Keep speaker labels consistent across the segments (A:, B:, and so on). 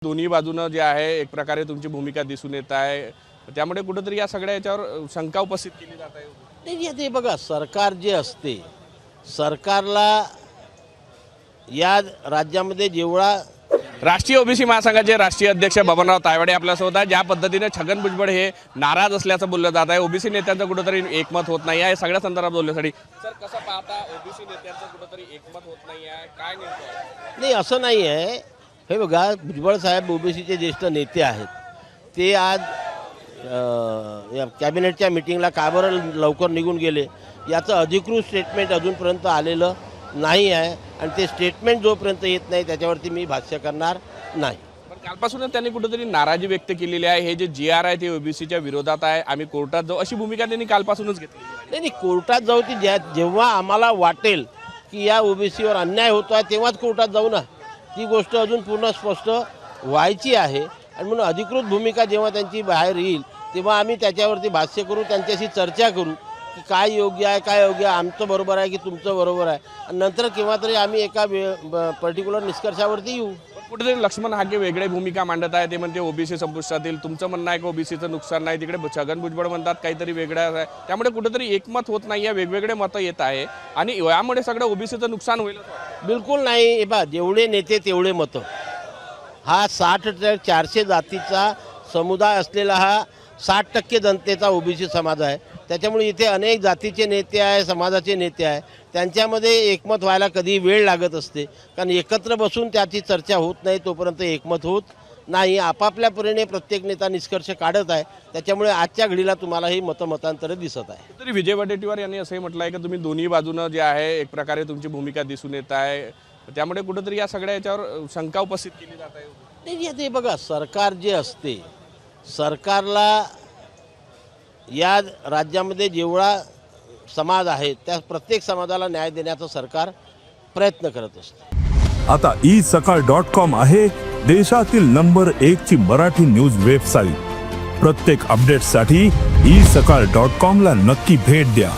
A: दोन्ही बाजूने जे आहे एक प्रकारे तुमची भूमिका दिसून येत आहे, त्यामुळे कुठेतरी या सगळ्या याच्यावर शंका उपस्थित केली जात आहे।
B: नाही ते बघा, सरकार जे असते, सरकारला या राज्यामध्ये जेवढा
A: राष्ट्रीय ओबीसी महासंघाचे राष्ट्रीय अध्यक्ष बबनराव तायवाडे आपल्यासोबत आहे। ज्या पद्धतीने छगन भुजबळ हे नाराज असल्याचं बोललं जात आहे, ओबीसी नेत्यांचं कुठेतरी एकमत होत नाही आहे, सगळ्या संदर्भात बोलण्यासाठी सर कसं पाहता, ओबीसी नेत्यांचं कुठेतरी एकमत होत नाही आहे, काय नेमकं?
B: नाही असं नाही आहे। हे बघा, भुजबळ साहेब ओबीसीचे ज्येष्ठ नेते आहेत, ते आज या कॅबिनेटच्या मीटिंगला का बरं लवकर निघून गेले याचं अधिकृत स्टेटमेंट अजूनपर्यंत आलेलं नाही आहे, आणि ते स्टेटमेंट जोपर्यंत येत नाही त्याच्यावरती मी भाष्य करणार नाही।
A: पण कालपासूनच त्यांनी कुठेतरी नाराजी व्यक्त केलेली आहे, हे जे GR आहे ते ओबीसीच्या विरोधात आहे, आम्ही कोर्टात जाऊ अशी भूमिका त्यांनी कालपासूनच घेतली आहे।
B: नाही कोर्टात जाऊ ती जेव्हा आम्हाला वाटेल की या ओबीसीवर अन्याय होतो आहे तेव्हाच कोर्टात जाऊ ना, ती गोष्ट अजून पूर्ण स्पष्ट व्हायची आहे। आणि म्हणून अधिकृत भूमिका जेव्हा त्यांची बाहेर येईल तेव्हा आम्ही त्याच्यावरती भाष्य करू, त्यांच्याशी चर्चा करू की काय योग्य आहे, काय योग्य आहे, आमचं बरोबर आहे की तुमचं बरोबर आहे, आणि नंतर केव्हा तरी आम्ही एका पर्टिक्युलर निष्कर्षावरती येऊ।
A: कुठेतरी लक्ष्मण हाके वेगळे भूमिका मांडत आहे, ते म्हणते ओबीसी संपुष्टातील, तुमचं म्हणणं आहे की ओबीसीचं नुकसान नाही, तिकडे छगन भुजबळ म्हणतात काहीतरी वेगळं आहे, त्यामुळे कुठेतरी एकमत होत नाही आहे, वेगवेगळे मतं येत आहे आणि यामुळे सगळं ओबीसीचं नुकसान होईल।
B: बिलकुल नाही। हे पहा, जेवढे नेते तेवढे मतं, हा 400 जातीचा समुदाय असलेला हा 60% जनतेचा ओबीसी समाज आहे, त्याच्यामुळे इथे अनेक जातीचे नेते आहे, समाजाचे नेते आहे, त्यांच्यामध्ये एकमत व्हायला कधी वेळ लागत असते, कारण एकत्र बसून त्याची चर्चा होत नाही तोपर्यंत एकमत होत नाही। आपापल्या परीने प्रत्येक नेता निष्कर्ष काढत आहे, त्याच्यामुळे आजच्या घडीला तुम्हाला ही मतांतर दिसत आहे।
A: तरी विजय वडेट्टीवार यांनी असंही म्हटलं आहे की तुम्ही दोन्ही बाजूनं जे आहे एक प्रकारे तुमची भूमिका दिसून येत आहे, त्यामुळे कुठेतरी या सगळ्या याच्यावर शंका उपस्थित केली जात आहे।
B: नाही ते बघा, सरकार जे असते, सरकारला या राज्यामध्ये जेवढा समाज आहे त्या प्रत्येक समाजाला न्याय देण्याचा सरकार प्रयत्न करत असते।
C: आता isakal.com आहे देशातील नंबर 1 ची मराठी न्यूज वेबसाईट। प्रत्येक अपडेटसाठी isakal.com ला नक्की भेट द्या।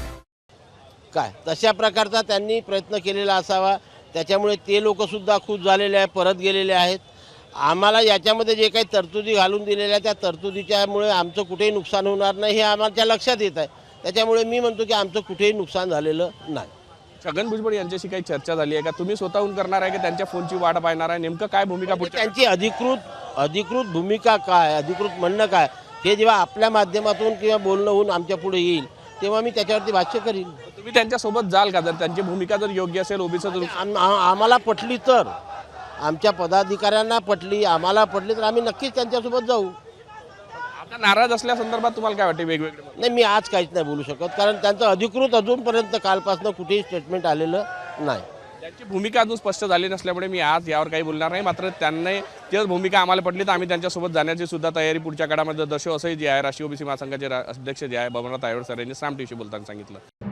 B: काय तशा प्रकारचा त्यांनी प्रयत्न केलेला असावा, त्याच्यामुळे ते लोकसुद्धा खुश झालेले आहे, परत गेलेले आहेत। आम्हाला याच्यामध्ये जे काही तरतुदी घालून दिलेल्या त्या तरतुदीच्यामुळे आमचं कुठेही नुकसान होणार नाही हे आम्हाला लक्षात येत आहे, त्याच्यामुळे मी म्हणतो की आमचं कुठेही नुकसान झालेलं नाही।
A: छगन भुजबळ यांच्याशी काही चर्चा झाली आहे का? तुम्ही स्वतःहून करणार आहे की त्यांच्या फोनची वाट पाहणार आहे? नेमकं काय भूमिका
B: त्यांची अधिकृत भूमिका काय, अधिकृत म्हणणं काय, हे जेव्हा आपल्या माध्यमातून किंवा बोलणं होऊन आमच्या पुढे येईल तेव्हा मी त्याच्यावरती भाष्य करीन।
A: तुम्ही त्यांच्यासोबत जाल का? जर त्यांची भूमिका जर योग्य असेल, ओबीसी
B: आम्हाला पटली तर, आमच्या पदाधिकाऱ्यांना पटली, आम्हाला पटली तर आम्ही नक्कीच त्यांच्यासोबत जाऊ।
A: आता नाराज असल्या संदर्भात तुम्हाला काय वाटते? वेगवेगळे
B: नाही, मी आज काहीच नाही बोलू शकत, कारण त्यांचं अधिकृत अजूनपर्यंत कालपासून कुठेही स्टेटमेंट आलेलं नाही।
A: त्यांची भूमिका अजून स्पष्ट झाली नसल्यामुळे मी आज यावर काही बोलणार नाही। मात्र त्यांनी तीच भूमिका आम्हाला पटली तर आम्ही त्यांच्यासोबत जाण्याची सुद्धा तयारी पुढच्या काळामध्ये दर्शवू, असंही जे आहे राष्ट्रीय ओबीसी महासंघाचे अध्यक्ष जे आहे बबनराव तायवाडे सर यांनी साम टीव्हीशी बोलताना सांगितलं।